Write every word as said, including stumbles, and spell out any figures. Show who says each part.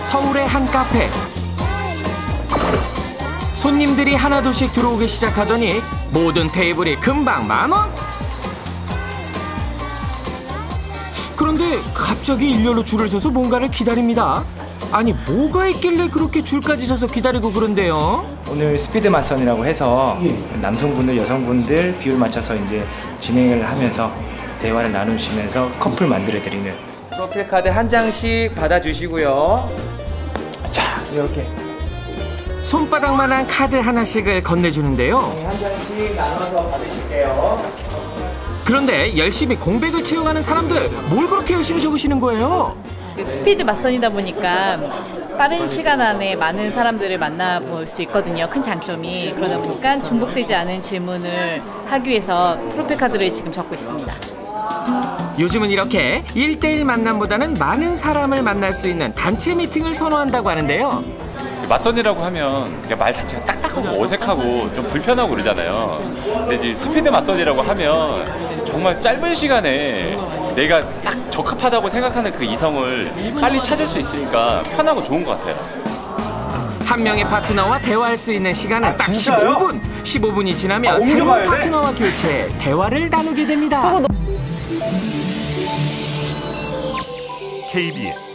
Speaker 1: 서울의 한 카페. 손님들이 하나둘씩 들어오기 시작하더니 모든 테이블이 금방 만 원? 그런데 갑자기 일렬로 줄을 서서 뭔가를 기다립니다. 아니 뭐가 있길래 그렇게 줄까지 서서 기다리고 그런데요?
Speaker 2: 오늘 스피드 맞선이라고 해서 남성분들, 여성분들 비율 맞춰서 이제 진행을 하면서 대화를 나누시면서 커플 만들어 드리는 프로필 카드 한 장씩 받아주시고요. 자, 이렇게
Speaker 1: 손바닥만한 카드 하나씩을 건네주는데요.
Speaker 2: 한 장씩 나눠서 받으실게요.
Speaker 1: 그런데 열심히 공백을 채워가는 사람들 뭘 그렇게 열심히 적으시는 거예요?
Speaker 3: 스피드 맞선이다 보니까 빠른 시간 안에 많은 사람들을 만나볼 수 있거든요. 큰 장점이. 그러다 보니까 중복되지 않은 질문을 하기 위해서 프로필 카드를 지금 적고 있습니다.
Speaker 1: 요즘은 이렇게 일대일 만남보다는 많은 사람을 만날 수 있는 단체 미팅을 선호한다고 하는데요.
Speaker 4: 맞선이라고 하면 그냥 말 자체가 딱딱하고 어색하고 좀 불편하고 그러잖아요. 근데 이제 스피드 맞선이라고 하면 정말 짧은 시간에 내가 딱 적합하다고 생각하는 그 이성을 빨리 찾을 수 있으니까 편하고 좋은 것 같아요.
Speaker 1: 한 명의 파트너와 대화할 수 있는 시간은
Speaker 2: 아,
Speaker 1: 딱
Speaker 2: 진짜요?
Speaker 1: 십오 분. 십오 분이 지나면
Speaker 2: 아,
Speaker 1: 새로운
Speaker 2: 옮겨가야 돼?
Speaker 1: 파트너와 교체, 대화를 나누게 됩니다.
Speaker 5: 케이비에스